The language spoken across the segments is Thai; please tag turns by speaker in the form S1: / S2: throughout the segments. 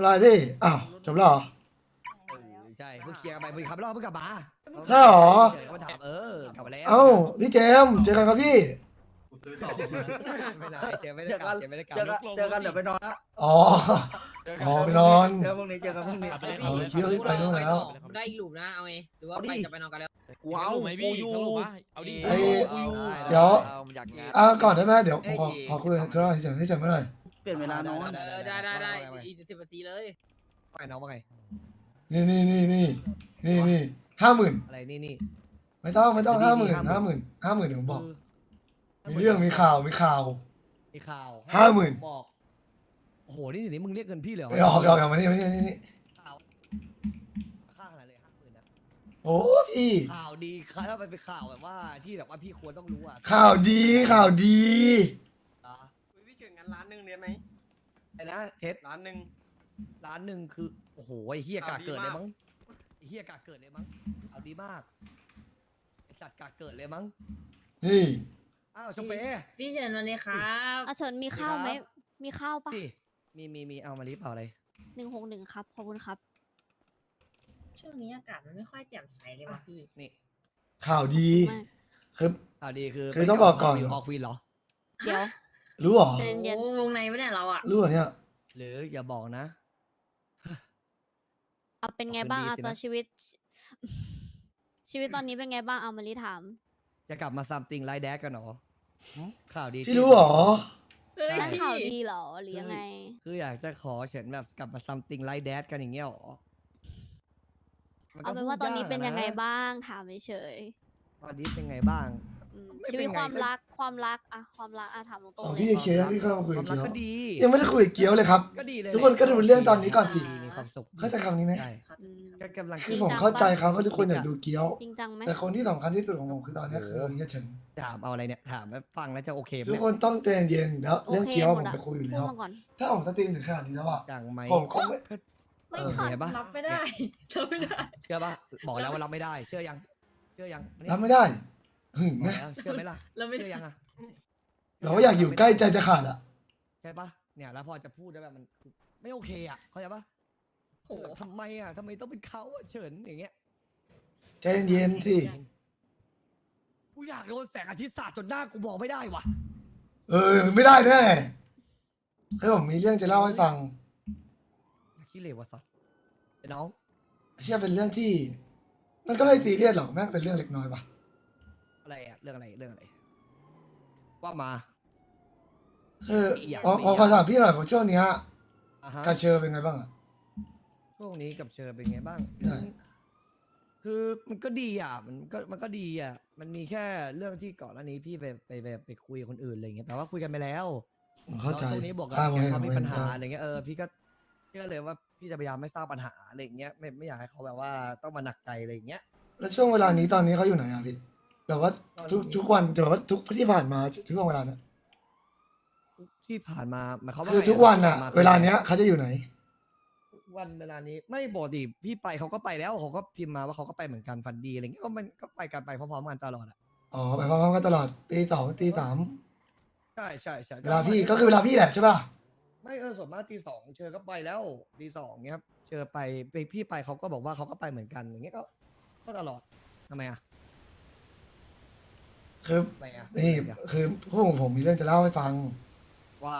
S1: อะไรพี่อ้าวจบแล้วเหรอ
S2: ใช่เพิ่งเคลียร์ไปเพิ่งขับรอบเพิ่งกลับมา
S1: ใช่เหรอ
S2: เขาถามกลับมาแล้ว
S1: เอ้าพี่เจมส์เจอกันครับพี่
S3: กูซื้อต่อมา
S2: ไม่ได้เจอไม่ได้กลับเจอไม่ได้กลับ
S4: เจอกันเดี๋ยวไปนอนละ
S1: อ๋ออ๋อไปนอน
S4: เจอพรุ่งนี้เจอกันพรุ่งนี้
S1: เอาเที่ยวไปนู่นแล้ว
S5: ได้อีกหลุมนะเอาไงหรือว่าไปจะไปนอนกันแล้ว
S4: กูเอา
S6: ไหม
S4: กู
S6: พี่
S4: อยู่
S6: สรุปว่าเอาดิ
S1: ไอ้
S4: กูอยู่
S1: เดี๋ยว
S2: อยากงาน
S1: ก่อนได้ไหมเดี๋ยวผมขอคุยธุระเฉยๆให้เฉยไม่หน่อย
S4: เปลี่ยนเวลานอน
S5: ได้อีก10 นาทีเลย
S2: ไปน้องว่าไง
S1: นี่50,000
S2: อะไรนี่
S1: ไม่ต้อง50,000เดี๋ยวผมบอกมีเรื่องมีข่าว
S2: มีข่าว
S1: 50,000
S2: บอกโอ้โหนี่เดี๋ยวนี้มึงเรียกเงินพี่เลยเหรอ
S1: ไม่ออกมานี่
S2: ข่าวค่าขนาดเลย50,000นะ
S1: โอ้พี่
S2: ข่าวดีถ้ามันเป็นข่าวแบบว่าที่แบบว่าพี่ควรต้องรู้อ่ะ
S1: ข่าวดี
S2: อ่ะ
S3: พี่เฉินงั้น1,000,000เรียนไหม
S2: ไอ้นะเท็ด
S3: 1,000,000
S2: ล้านหนึ่งคือโอ้โหไอ้เฮียกาเกิดเลยมั้งไอ้เฮียกาเกิดเลยมั้งเอาดีมากไอ้สัตว์กาเกิดเลยมั้ง
S1: นี่
S2: อ้าวชมเป้
S5: พี่เฉินวันนี้ครับ
S7: อาเฉินมีข้าวไหม มีข้าวปะ
S2: พี่มีเอามาลิฟต์เอาอะไร
S7: 161ครับ ขอบคุณครับ
S5: ช่วงนี้อากาศมันไม่ค่อยแจ่มใสเลยว่ะพี่
S2: นี่
S1: ข่าวดี
S7: ไม่
S1: คือ
S2: ข่าวดีคือ
S1: คือต้องบอกก่อน
S2: อยู่ฮอควีนเหรอ
S7: เดี๋ยว
S1: รู้เหรอ
S7: ใจเย็น
S5: วงในไม่ได้เราอ่ะ
S1: รู้เหรอเนี่ย
S2: หรืออย่าบอกนะ
S7: เอาเป็นไงบ้าง
S2: ดี
S7: เอา
S2: สินะ
S7: ตอนชีวิต ชีวิตตอนนี้เป็นไงบ้างเอามารีถาม
S2: จะกลับมาซัมติงไลท์แดกกันเหรอหึข่าวดี
S1: พี่รู้เหรอ
S5: เฮ้ย
S7: ได้
S5: พี่
S7: ข่าวดีเหรอหรือยังไง
S2: คืออยากจะขอเฉินแบบกลับมาซัมติงไลท์แดกกันอย่างเงี้ยเหรอมั
S7: เอา
S2: ก็
S7: เป็นว่าตอนนี้เป็นยังไง
S2: พูดะ
S7: บ้างถามเฉย
S2: ตอนนี้เป็นไงบ้าง
S7: ๆอืม
S2: ไม่
S7: ชี
S2: เป็น
S7: วิต
S2: ไง
S7: ความ
S2: ก็
S7: รักความรักอะถามตรง
S1: อ๋อ
S7: ๆเล
S1: พี่
S7: ย
S1: เคลียร์พี่เข้ามาคุย
S2: ค
S1: กับ
S2: วามรัก
S1: เกียว
S2: ก็ดี
S1: ยังไม่ได้คุยกับเกียวเลยครับ
S2: ก็ดีเลย
S1: ทุกคนก็ดูเรื่องตอนนี้ก่อนสิ
S2: มีความสุข
S1: เข้าใจคำนี้ไหม
S2: ใช่
S7: อืม
S2: ก็กำลัง
S1: คือผมเข้าใจครับว่าทุกคนอยากดูเกียว
S7: จริงจังไหม
S1: แต่คนที่สำคัญที่สุดของผมคือตอนนี้คือเฮียเฉิน
S2: ถามเอาอะไรเนี่ยถามแล้วฟังแล้วจะโอเคไหม
S1: ทุกคนต้องใจเย็นแล้วเรื่องเกียวผมไปคุยอยู่
S7: พู
S1: แล้
S7: ด
S1: ว
S7: มาก่อน
S1: ถ้าผมสตรีมถึงขนาดนี้แล้วอ่ะ
S2: จังไหม
S1: ผมคงไม่
S7: ไม่
S1: เออ
S7: ขัด
S2: เห็นปะ
S5: รับไม่ได้รับไม่ได้
S2: เชื่อปะบอกแล้วว่ารับไม่ได้ เชื่อยังอันนี้
S1: รับไม่ได้หึง
S2: บอ
S1: นะ
S2: กแล้วเชื่อไหมล่ะ
S5: เราไม่
S2: เชื่
S5: ได้
S2: อยังอะ
S1: แบบว่าอยากอยู่ใกล้ใจจะขาดอ่ะ
S2: ใช่ปะเนี่ยแล้วพอจะพูดได้แบบมันไม่โอเคอ่ะเข้าใจปะโอ้ทำไมอ่ะทำไมต้องเป็นเขาอะเฉินอย่างเงี้ย
S1: ใจเย็นสิ
S2: กูอยากโดนแสงอาทิตย์สาดจนหน้ากูบอกไม่ได้ว่ะ
S1: ไม่ได้แน่คือผมมีเรื่องจะเล่าให้ฟัง
S2: ขี้เหร่วะสัตว์ไอ้น้อง
S1: เชื่อเป็นเรื่องที่ มันก็ไม่ซีเรียสหรอกแม่งเป็นเรื่องเล็กน้อยปะ
S2: อะไรอ่ะเรื่องอะไรว่ามา
S1: คือ
S2: อยาก
S1: ผมขอถามพี่หน่อยผมช่วงเนี้ย
S2: อ่ะฮะ
S1: กาเชอร์เป็นไงบ้างอ่ะ
S2: ช่วงนี้กับเชอเป็นไงบ้าง
S1: ใช่
S2: คือมันก็ดีอ่ะมันก็ดีอ่ะมันมีแค่เรื่องที่ก่อนหน้านี้พี่ไปคุยกับคนอื่นอะไรเงี้ยแต่ว่าคุยกันไปแล้ว
S1: ผมเข้าใจ
S2: แล้วตรงนี้บอกกับ
S1: ผม
S2: แก
S1: เห็น
S2: เขา
S1: ผม
S2: มี
S1: เห็
S2: ปั
S1: น
S2: ญหาอะไรเงี้ยพี่ก็เลยว่าพี่จะพยายามไม่สร้างปัญหาอะไรเงี้ยไม่อยากให้เขาแบบว่าต้องมาหนักใจอะไรเงี้ย
S1: แล้วช่วงเวลานี้ตอนนี้เขาอยู่ไหนอ่ะพี่แบบว่าทุกวันแบบว่าทุกที่ผ่านมาช่วงเวลานั้น
S2: ที่ผ่านมาหมายความว่า
S1: คือ
S2: ไง
S1: ทุกวันอ่ะ
S2: ที่ผ่
S1: เวลาเนี้ยเขาจะอยู่ไหน
S2: ทุกวันเวลานี้ไม่บอกดิพี่ไปเขาก็ไปแล้วเขาก็พิมพ์มาว่าเขาก็ไปเหมือนกันฟันดีอะไรเงี้ยก็มันก็ไปกันไปพร้อมๆกันตลอดอ่ะ
S1: อ๋อไปพร้อมๆกันตลอดตี 2 ตี 3
S2: ใช่
S1: เวลาพี่ก็คือเวลาพี่แหละใช่ป่ะ
S2: ไม่ส่วนมากตี 2เชอก็ไปแล้วตี 2เงี้ยครับเชอไปพี่ไปเขาก็บอกว่าเขาก็ไปเหมือนกันอย่างเงี้ยก็ตลอดทำไมอ่ะ
S1: คือ
S2: ทำไมอ่ะ
S1: นี่คือพวกผมมีเรื่องจะเล่าให้ฟัง
S2: ว่า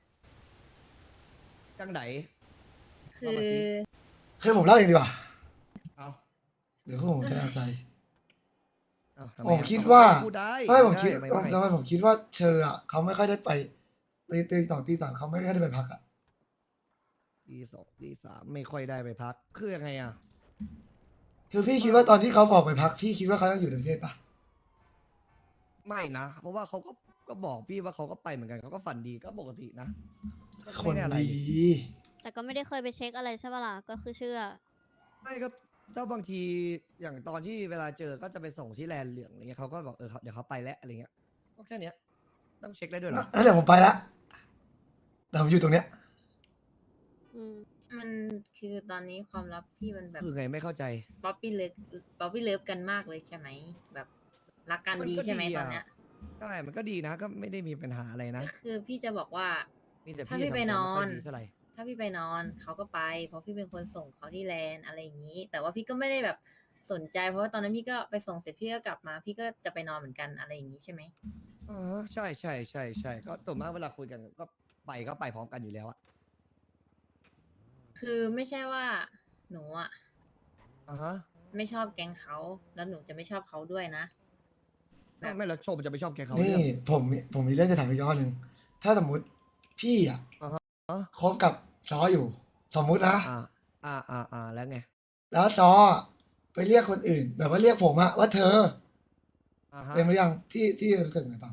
S2: จังไหน
S5: คือ
S1: คือผมเล่าเองดีกว่า
S2: เอา
S1: เดี๋ยวพวกผมจะเอาใจ
S2: เอาทำไ
S1: ผมคิดว่า
S2: พูดได้
S1: ไม่ผมคิด
S2: ไม่
S1: ทำไมผมคิดว่าเชออ่ะเขาไม่ค่อยได้ไปตี 2 ตี 3เขาไม่ค่อยได้ไปพักอ่ะ
S2: ตีสองตีสามไม่ค่อยได้ไปพักคือยังไงอ่ะ
S1: คือพี่คิดว่าตอนที่เขาบอกไปพักพี่คิดว่าเขายังอยู่ในประเทศปะ
S2: ไม่นะ เพราะว่าเขาก็บอกพี่ว่าเขาก็ไปเหมือนกันเขาก็ฝันดีก็ปกตินะก็
S1: ค
S2: ไม่
S1: น
S2: ได้อะไร
S1: ดี
S7: แต่ก็ไม่ได้เคยไปเช็คอะไรใช่ปะล่ะ ก็คือเชื่อ
S2: ไม่ก็ถ้าบางทีอย่างตอนที่เวลาเจอก็จะไปส่งที่แลนด์เหลืองอะไรเงี้ยเขาก็บอกเดี๋ยวเขาไปแล้วอะไรเงี้ยก็แค่เนี้ยต้องเช็คได้ด้วยเหรอ
S1: แล้วเดี๋ยวผมไปละแต่ผมอยู่ตรงเนี้ย
S7: อืม
S5: มันคือตอนนี้ความลับพี่มันแบบ
S2: คือไงไม่เข้าใจ
S5: ป๊อปปี้เลิฟกันมากเลยใช่ไหมแบบรักกันดีใช่ไหมตอนเนี้ย
S2: ใช่มันก็ดีนะก็ไม่ได้มีปัญหาอะไรนะ
S5: คือพี่จะบอกว่า
S2: มีแต่
S5: ถ้า
S2: พี่
S5: พี่ไป
S2: ทำตัวน
S5: อน
S2: ไม่ค่อยดีเท่าไหร่
S5: ถ้าพี่ไปนอนเขาก็ไป เพราะพี่เป็นคนส่งเขาที่แลนด์อะไรอย่างนี้ แต่ว่าพี่ก็ไม่ได้แบบสนใจ เพราะว่าตอนนั้นพี่ก็ไปส่งเสร็จพี่ก็กลับมา พี่ก็จะไปนอนเหมือนกันอะไรอย่างนี้ใช่ไหม
S2: ใช่ใช่ใช่ใช่ก็ส่วนมากเวลาคุยกันก็ไปพร้อมกันอยู่แล้วอะ
S5: คือไม่ใช่ว่าหนูอ่ะ
S2: อ่าฮะ
S5: ไม่ชอบแก๊งเขาแล้วหนูจะไม่ชอบเขาด้วยนะ แบบ
S2: ไม่แล้วชมจะไปชอบแกเขา
S1: นี่
S2: เรื่อง
S1: ผมมีเรื่องจะถามอีกข้อหนึ่งถ้าสมมติพี่อ่ะ
S2: อ่าฮะ
S1: คบกับซออยู่ สมมุตินะ
S2: แล้วไง
S1: แล้วซอไปเรียกคนอื่น แบบว่าเรียกผมอะว่าเธอ
S2: อ่าฮะ
S1: เต็มหรือยังพี่รู้สึกไงบ้าง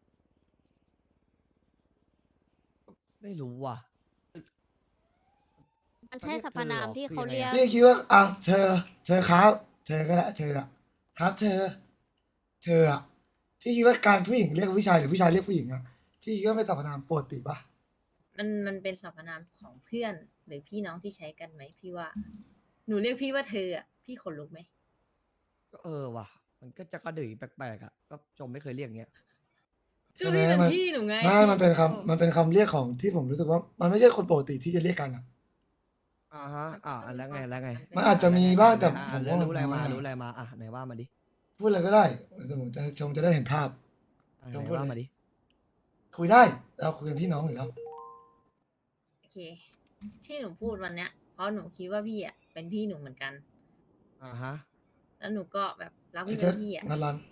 S2: ไม่รู้ว่ะ
S7: มันใช่สรรพนามที่เขาเรียก
S1: พี่คิดว่าอ่ะเธอครับ เธอก็ได้เธออะครับเธออะพี่คิดว่าการผู้หญิงเรียกผู้ชายหรือผู้ชายเรียกผู้หญิงอะพี่คิดว่าเป็นสรรพนามปกติปะ
S5: มันเป็นสรรพนามของเพื่อนหรือพี่น้องที่ใช้กันไหมพี่ว่า หนูเรียกพี่ว่าเธออ่ะพี่ขนลุกไหม
S2: ก็ว่ะ มันก็จะกระดือแปลกๆอ่ะก็ชมไม่เคยเรียกอย่างเงี้ย
S5: ก็พี่เป็นพี่หนูไง
S1: ไม่มันเป็นคำเรียกของที่ผมรู้สึกว่า มันไม่ใช่คนปกติที่จะเรียกกันอะ
S2: อ่าฮะแล้วไง
S1: มันอาจจะมีบ้างแต่ผม
S2: แล้ว
S1: ว่า
S2: รู้อะไรมา
S1: น้อย
S2: รู้อะไรมาไหนว่ามาดิ
S1: พูดอะไรก็ได้แต่ผมจะชมจะได้เห็นภาพ
S2: ไหน
S1: ต้องพูด
S2: ว่า
S1: เลย
S2: มาดิ
S1: คุยได้เราคุยกันพี่น้องอยู่แล้ว
S5: โอเค ที่หนูพูดวันเนี้ย เพราะหนูคิดว่าพี่อ่ะเป็นพี่หนูเหมือนกัน
S2: อ่าฮะ
S5: แล้วหนูก็แบบรัก
S1: ไอ้
S5: พี่
S1: เทิ
S5: เป็
S1: ด
S5: นพี่อ่ะ
S1: นันรัน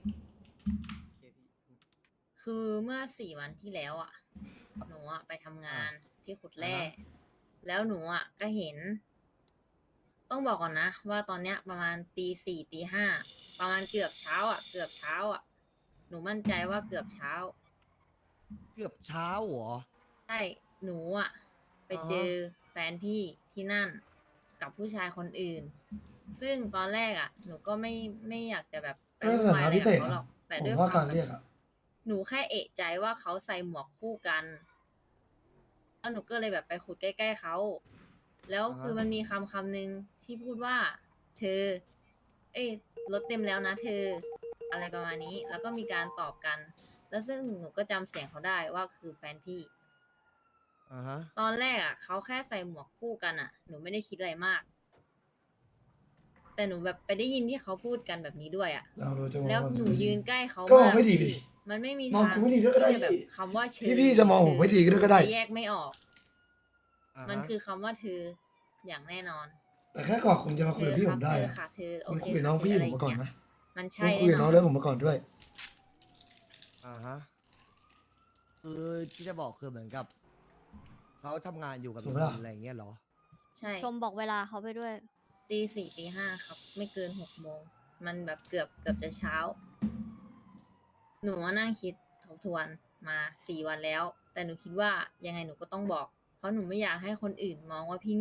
S5: คือเมื่อ4 วันที่แล้วอ่ะ หนูอ่ะไปทำงานที่ขุดแร่ แล้วหนูอ่ะก็เห็น ต้องบอกก่อนนะ ว่าตอนเนี้ยประมาณตี 4ตี 5ประมาณเกือบเช้าอ่ะ หนูมั่นใจว่าเกือบเช้า
S2: เกือบเช้าเหรอ
S5: ใช่ หนูอ่ะ ไป
S2: อ๋อ
S5: เจอแฟนพี่ที่นั่นกับผู้ชายคนอื่น ซึ่งตอนแรกอ่ะ หนูก็ไม่อยากจะแบบไป
S1: ไม่
S5: วุ่
S1: ใช่
S5: นวายอะไร
S1: พิ
S5: กั
S1: เศ
S5: บ
S1: ษ
S5: เขาหร
S1: อะ
S5: อก แต่
S1: ผ
S5: ด้ว
S1: ม
S5: ย
S1: ว่า
S5: ค
S1: การ
S5: วาม
S1: เรียกอะ
S5: หนูแค่เอะใจว่าเขาใส่หมวกคู่กัน แล้วหนูก็เลยแบบไปขุดใกล้ๆเขา แล้วคือมันมีคำหนึ่งที่พูดว่า เธอ เอ้ยรถเต็มแล้วนะเธอ อะไรประมาณนี้ แล้วก็มีการตอบกัน แล้วซึ่งหนูก็จำเสียงเขาได้ว่าคือแฟนพี่
S2: อ่าฮะ
S5: ตอนแรกอ่ะเขาแค่ใส่หมวกคู่กันอ่ะ หนูไม่ได้คิดอะไรมาก แต่หนูแบบไปได้ยินที่เขาพูดกันแบบนี้ด้วยอ่ะ
S1: เราจะมอง
S5: แล้วหนูยืนใกล้เขา
S1: ก็มอง
S5: าก
S1: ไม่ดีดิ
S5: มันไม่มี
S1: มอง
S5: ทาง
S1: กูไม่ดีด้วยก็ได้
S5: ที่จะแบบ
S1: พี่
S5: คำว่าเธอ
S1: พี่จะมองผมไม่ดีด้วยก็ได้
S5: แยกไม่ออก
S2: อ่า
S5: มัน
S2: ฮะ
S5: คือคำว่าเธออย่างแน่นอน
S1: แต่แค่ก่อนคุณจะมาคุยกับพี่
S5: เธ
S1: ผ
S5: อ
S1: มได้
S5: เธอ
S1: อะ
S5: ค่ะเธอโอ
S1: คุณ
S5: เค
S1: คุยกับน้องพี่
S5: ค่ะ
S1: ผมมาก่อน
S5: เธ
S1: นะ
S5: มัน
S1: คุ
S5: ใช่
S1: ณคุยกับน้อง
S5: แน่
S1: เรื่องผมมาก่อนด้วย
S2: อ่าฮะคือที่จะบอกคือเหมือนกับเขาทำงานอยู่กับ
S1: ถูกปะล่ะ
S2: อะไรอย่างเงี้ยเหรอ
S5: ใช่
S7: ชมบอกเวลาเขาไปด้วย
S5: ตี 4ตี 5ครับ ไม่เกิน6 โมง มันแบบเกือบจะเช้า หนูว่านั่งคิดทบทวนมา4 วันแล้ว แต่หนูคิดว่ายังไงหนูก็ต้องบอก เพราะหนูไม่อยากให้คนอื่นมองว่าพี่โง่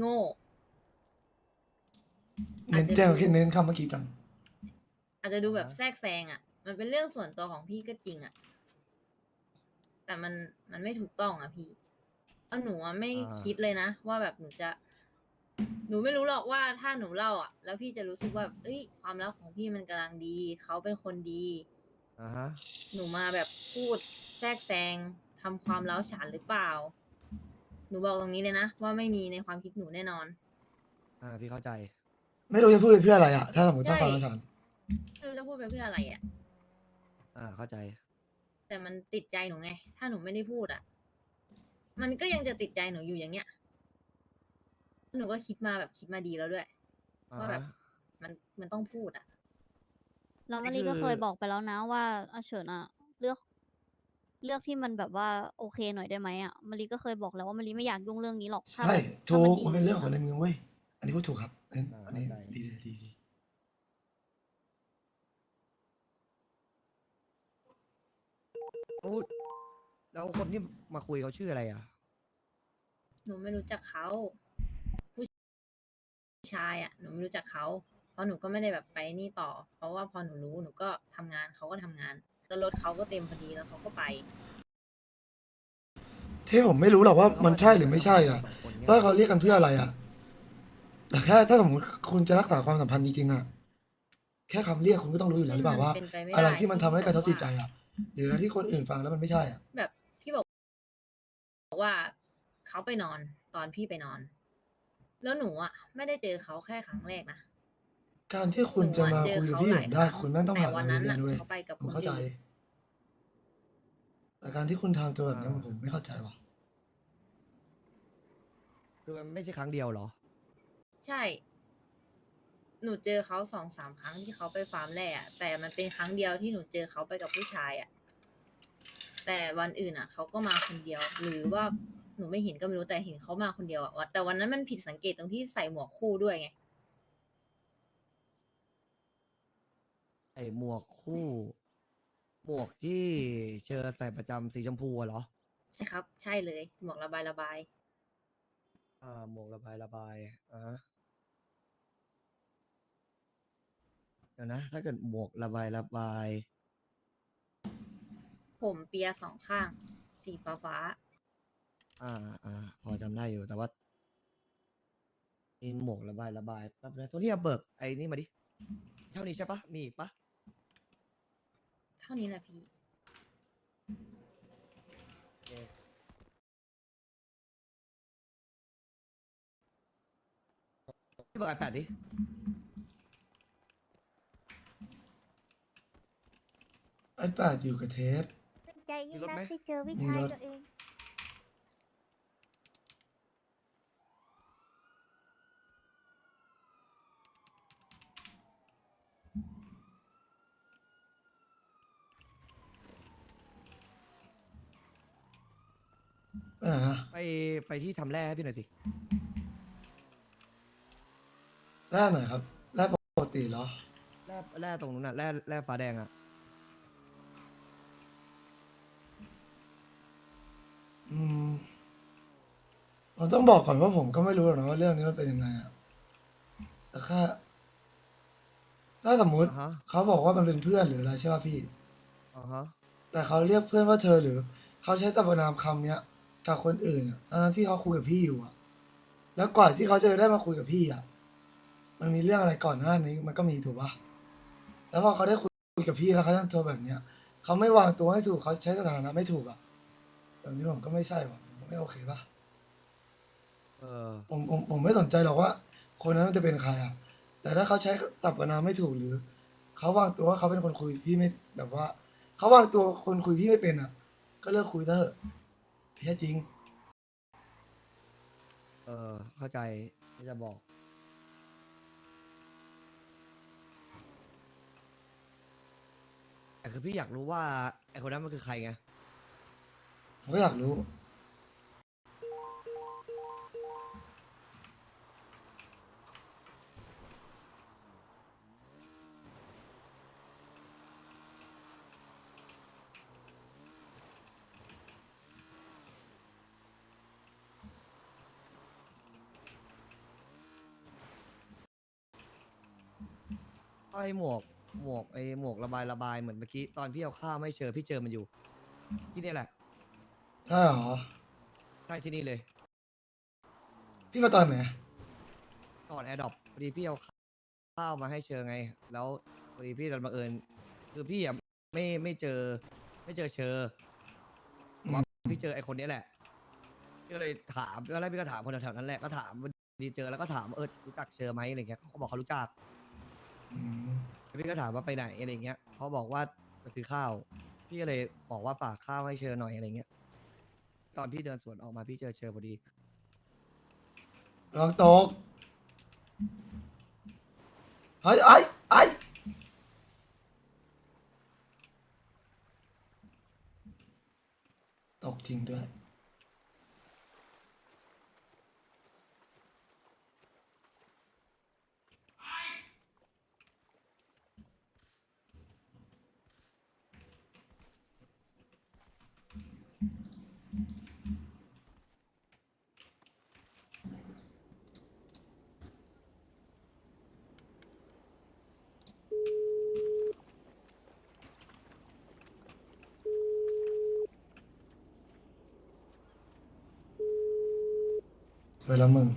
S1: เน้นแจ้งแค่เน้นคำเมื่อกี้จัง
S5: อาจจะดูแบบแทรกแซงอ่ะ มันเป็นเรื่องส่วนตัวของพี่ก็จริงอ่ะ แต่มันไม่ถูกต้องอ่ะพี่เพราะหนูอะไม่
S2: อ่า
S5: คิดเลยนะว่าแบบหนูไม่รู้หรอกว่าถ้าหนูเล่าอ่ะ แล้วพี่จะรู้สึกว่าเอ้ยความรักของพี่มันกำลังดี เขาเป็นคนดี
S2: อ่าฮะ
S5: หนูมาแบบพูดแทรกแซงทำความเล้าฉานหรือเปล่า หนูบอกตรงนี้เลยนะว่าไม่มีในความคิดหนูแน่นอน
S2: พี่เข้าใจ
S1: ไม่รู้จะพูดไปเพื่ออะไรอะถ้าสมมติต้องฟังอาจารย์
S5: ไม่รู้จะพูดไปเพื่ออะไรอ่ะ
S2: เข้าใจ
S5: แต่มันติดใจหนูไง ถ้าหนูไม่ได้พูดอ่ะ มันก็ยังจะติดใจหนูอยู่อย่างเงี้ย หนูก็คิดมาดีแล้วด้วย
S2: อ่า
S5: ว่าแบบ
S2: ฮะ
S5: มันต้องพูดอ่ะ
S7: แล้ว
S2: นี่
S7: มารีก็
S2: คือ
S7: เคยบอกไปแล้วนะว่าอาเฉินอะเลือกที่มันแบบว่าโอเคหน่อยได้ไหมอะมารีก็เคยบอกแล้วว่ามารีไม่อยากยุ่งเรื่องนี้หรอกถ้า
S1: ใช่
S7: แบบ
S1: ถู
S7: ถ้าก
S1: มันเป็นเรื่อง
S7: จ
S1: ของ
S7: ๆ
S1: ใน
S7: อะ
S1: เมืองเว้ย อันนี้พูดถูกครับอันนี้
S2: เข้าใจ
S1: ดี
S2: แล้วคนที่มาคุยเขาชื่ออะไรอ่ะ
S5: หนูไม่รู้จักเขาผู้ชายอ่ะ หนูไม่รู้จักเขา เพราะหนูก็ไม่ได้แบบไปนี่ต่อ เพราะว่าพอหนูรู้หนูก็ทำงานเขาก็ทำงาน แล้วรถเขาก็เต็มพอดีแล้วเขาก็ไป
S1: ที่ผมไม่รู้หรอกว่ามันใช่หรือไม่ใช่อ่ะ
S2: สงคนนี่ย
S1: ว่าเขาเรียกกันเพื่ออะไรอ่ะ แต่แค่ถ้าสมมติคุณจะรักษาความสัมพันธ์จริงๆอ่ะ แค่คำเรียกคุณก็ต้องรู้อยู่แล้วหรือเปล่าว่า
S5: เป็นไปไม่ได้
S1: อะไรที่มันทำให้กระทบจิตใจ
S5: ที่
S1: อ่ะ หรืออะไรที่คนอื่นฟังแล้วมันไม่ใช่อ่ะ
S5: แบบพี่บอกว่าเขาไปนอนตอนพี่ไปนอน แล้วหนูอ่ะ ไม่ได้เจอเขาแค่ครั้งแรกนะ
S1: การที่คุณจะมาคุยกับพี่ผมได้ คุณไม่ต้อง
S5: แต่
S1: ผ่าน
S5: วัน
S1: โรง
S5: นั้น
S1: เรีย
S5: น่ะ
S1: นเว้ย
S5: เขาไปกับ
S1: ผม
S5: คน
S1: เข้าใจ
S5: อื่น
S1: แต่การที่คุณทำตัวแบบนี้ผมไม่เข้าใจว่ะ
S2: คือมันไม่ใช่ครั้งเดียวเหรอ
S5: ใช่ หนูเจอเขา2-3 ครั้งที่เขาไปฟาร์มแร่อะแต่มันเป็นครั้งเดียวที่หนูเจอเขาไปกับผู้ชายอะแต่วันอื่นอะเขาก็มาคนเดียว หรือว่าหนูไม่เห็นก็ไม่รู้แต่เห็นเขามาคนเดียวอะแต่วันนั้นมันผิดสังเกตตรงที่ใส่หมวกคู่ด้วยไง
S2: ไอหมวกคู่ หมวกที่เชอใส่ประจำสีชมพูอะเหรอ
S5: ใช่ครับ ใช่เลย หมวกระบายระบาย
S2: หมวกระบายระบายฮะเดี๋ยวนะ ถ้าเกิดหมวกระบายระบาย
S5: ผมเปีย2 ข้าง สีฟ้าฟ้า
S2: พอจำได้อยู่แต่ว่านี่หมวกระบายระบายแป๊บนะตรงที่เอาเบิกไอ้นี่มาดิ เท่านี้ใช่ปะมีอีกปะ
S5: เท่านี้แหละพี่
S2: พี่เบิกไอแปดดิ
S1: ไอ้แปดอยู่กับเทส
S7: ใจยิ่ง
S2: มีรถ
S7: นัก
S2: ไหม
S7: ที่เจอวิ
S1: มี
S7: ชาร
S1: ถ
S7: ตัวเอง
S1: ไปไหนอะ
S2: ไปที่ทำแร่ให้พี่หน่อยสิ
S1: แร่ไหนครับแร่ปกติเหรอ
S2: แร่ตรงนู้นน่ะแร่ฟ้าแดงอ่ะ
S1: อืมผมต้องบอกก่อนว่าผมก็ไม่รู้หรอกนะว่าเรื่องนี้มันเป็นยังไงอะแต่แค่ถ้าสมมุติ
S2: อ่าฮะ
S1: เขาบอกว่ามันเป็นเพื่อนหรืออะไรใช่ป่ะพี่
S2: อ่าฮะ
S1: แต่เขาเรียกเพื่อนว่าเธอหรือเขาใช้สรรพนามคำเนี้ยกับคนอื่นอะทั้งที่เขาคุยกับพี่อยู่อะแล้วกว่าที่เขาจะได้มาคุยกับพี่อะมันมีเรื่องอะไรก่อนหน้านี้มันก็มีถูกปะแล้วพอเขาได้คุยกับพี่แล้วเขาทำตัวแบบเนี้ยเขาไม่วางตัวให้ถูกเขาใช้สถานะไม่ถูกอะแบบนี้ผมก็ไม่ใช่ว่ะผมไม่โอเคปะ
S2: เออ
S1: ผมไม่สนใจหรอกว่า คนนั้นมันจะเป็นใครอะแต่ถ้าเขาใช้สรรพนามไม่ถูกหรือเขาวางตัวว่าเขาเป็นคนคุยพี่ไม่แบบว่าเขาวางตัวคนคุยพี่ไม่เป็นอะก็เลิกคุยเถอะแท้จริง
S2: เข้าใจที่จะบอก แต่คือพี่อยากรู้ว่าไอคนนั้นมันคือใครไง
S1: ผมก็อยากรู้
S2: ไอหมวกระบายเหมือนเมื่อกี้ตอนพี่เอาข้าวไม่เจอพี่เจอมันอยู่ ที่นี่แหละ
S1: ใช่เหรอ
S2: ใช่ที่นี่เลย
S1: พี่มาตอนไหน
S2: ก่อนแอร์ดรอปพอดีพี่เอาข้าวมาให้เชอไง แล้วพอดีพี่ดันบังเอิญคือพี่อ่ะไม่เจอเชอ
S1: อืม
S2: พี่เจอไอคนนี้แหละพี่ก็เลยถามตอนแรกพี่ก็ถามคนแถวๆนั้นแหละก็ถามดีเจอแล้วก็ถามรู้จักเชอไหมอะไรเงี้ยเขาก็บอกเขารู้จัก
S1: อืม
S2: พี่ก็ถามว่าไปไหนอะไรเงี้ยเขาบอกว่าไปซื้อข้าว พี่ก็เลยบอกว่าฝากข้าวให้เชอหน่อยอะไรเงี้ย ตอนพี่เดินสวนออกมาพี่เจอเชอพอดี
S1: ลองตกเฮ้ยไอ้ตกจริงด้วย เวลามึง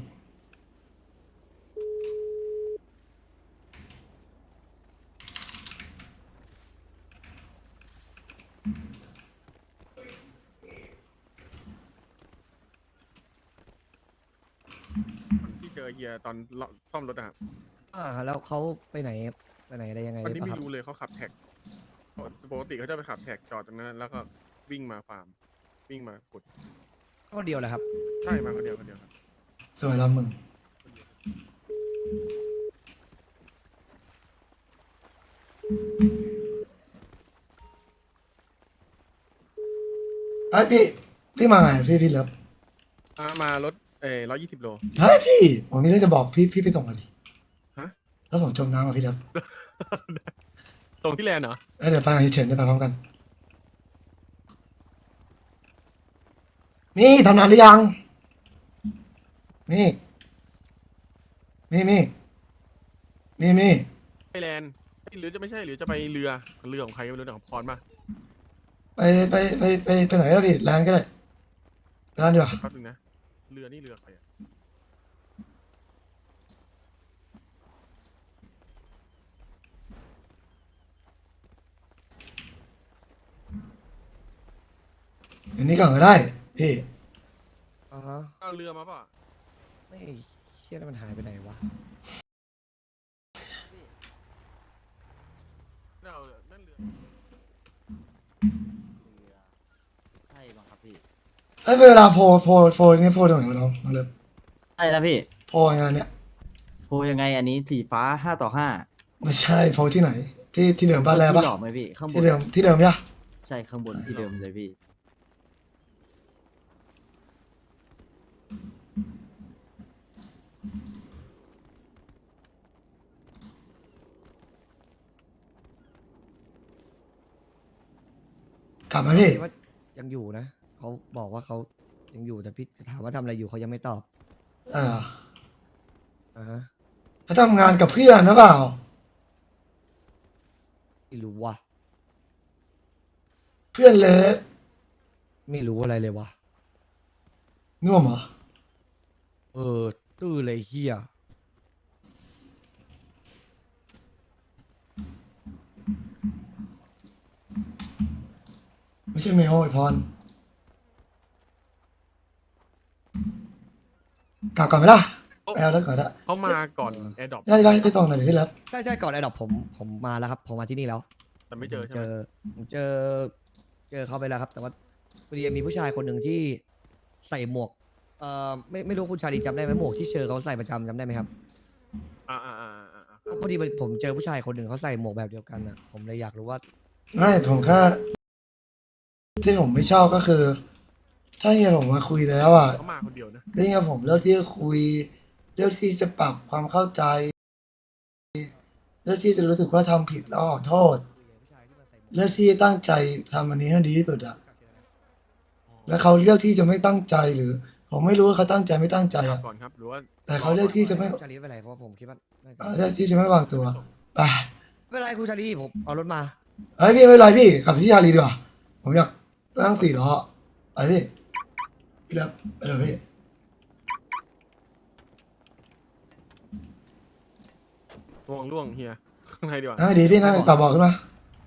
S6: เฮียตอนซ่อมรถอะครับ
S2: แล้วเขาไปไหนอะไรยังไง
S6: วันนี้
S2: ปะ
S6: ไม่
S2: ครับ
S6: รู้เลยเขาขับแท็กปกติเขาจะไปขับแท็กจอดตรงนั้นแล้วก็วิ่งมาฟาร์มวิ่งมาขุด
S2: ก็เดียวแหละครับ
S6: ใช่มาคนเดียวครับ
S1: สวยแล้วมึงไอ้ยพี่มาไงพี่เลิฟ
S6: มารถ120 โล
S1: เฮ้ยพี่ผมมีเรื่องจะบอกพี่ไปส่งมาดิ
S6: ฮะ
S1: แล้วผมจมน้ำอ่ะพี่เลิฟ
S6: ตรงที่แลนด์เหรอ
S1: เดี๋ยวไปกับเฉินได้ไปพร้อมกันนี่ทำงานหรือยังนี่
S6: ไปแลนด์หรือจะไม่ใช่หรือจะไปเรือของใครก็ไม่รู้ของพรป่ะ
S1: ไปไหนก็พี่ร้านก็ได้ร้านดีกว่า
S6: แป๊บนึงนะเรือนี่เรือใครอะ
S1: อย่างนี้ก่อนก็ได้พี่
S2: อ่าฮะ
S6: เอาเรือมาป่ะ
S2: ไม่เชี่ยแล้วมันหายไปไหนวะ
S6: ไม่เอาเรือนั่นเรือ
S4: ใช่บังครับพี่
S1: เอ้ยเวลาโพลนี่โพลตรงไหนวะน้องเลิฟ
S4: ใช่แล้วพี่
S1: โพลงานเนี้ย
S4: โพยังไงอันนี้สีฟ้า5-5
S1: ไม่ใช่โพลที่ไหน ที่เดิมบ้านแรกปะ
S4: ที่หลอกไหมพี่ข้างบ
S1: ที่
S4: น
S1: เดิมเนี่ย
S4: ใช่ข้างบนที่เดิมเลยพี่
S1: กลับมาพี่
S2: ว่ายังอยู่นะเขาบอกว่าเขายังอยู่แต่พี่ถามว่าทำอะไรอยู่เขายังไม่ตอบ
S1: เออ
S2: อ่าฮะ
S1: เขาทำงานกับเพื่อนนะเปล่า
S2: ไม่รู้ว่ะ
S1: เพื่อนเลิฟ
S2: ไม่รู้อะไรเลยวะ
S1: น่วมเหรอ
S2: ตื้อเลยเฮีย
S1: ไม่ใช่เมลไอพรกลับก่อนไหมล่ะไปเอารถก่อนละ
S6: เขามาก่อนแอร์ดรอป
S1: ได้ไปส่งหน่อยดิพี่เลิฟ
S2: ใช่ก่อนไอ้ดอกผมมาแล้วครับผมมาที่นี่แล้ว
S6: แต่ไม่เจอใช่ไหม
S2: ผมเจอเขาไปแล้วครับ แต่ว่าพอดีมีผู้ชายคนหนึ่งที่ใส่หมวกไม่รู้คุณชาลีจำได้ไหมหมวกที่เชอเขาใส่ประจำจำได้ไหมครับ
S6: อ่า
S2: พอดีผมเจอผู้ชายคนหนึ่งเขาใส่หมวกแบบเดียวกันอ่ะผมเลยอยากรู้ว่า
S1: ไม่ผมแค่ที่ผมไม่ชอบก็คือ ถ้าเฮียผมมาคุยแล้วอ่ะ
S6: เขามาคนเดียวนะ
S1: แล้วเฮียผมเลือกที่จะคุยเลือกที่จะปรับความเข้าใจเลือกที่จะรู้สึกว่าทำผิดแล้วขอโทษเลือกที่จะตั้งใจทำอันนี้ให้ดีที่สุดอ่ะแล้วเขาเลือกที่จะไม่ตั้งใจหรือ ผมไม่รู้ว่าเขาตั้งใจไม่ตั้งใจอ่ะ
S6: ก่อนครับหรือว่า
S1: แต่เขาเลือกที่จะไม่
S2: ชาลีไม่เป็นไรเพราะว่าผมคิดว่าน่าจะ
S1: เลือกที่จะไม่วางตัวไป
S2: ไม่เป็นไรคุณชาลีผมเอารถมา
S1: เฮ้ยพี่ไม่เป็นไรพี่กลับที่ชาลีดีกว่าผมอยากนั่ง4 ล้อไปพี่พี่เลิฟไปเลยพี่
S6: ล่วงเฮียข้างในดีกว่า
S1: นั่งดีพี่นั่งปรับเบอกขึ้นมา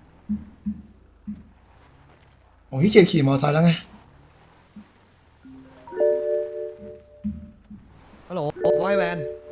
S1: ผมขี้เกียจขี่มอเตอร์ไซค์แล้วไง
S2: ฮัลโหลไอแวน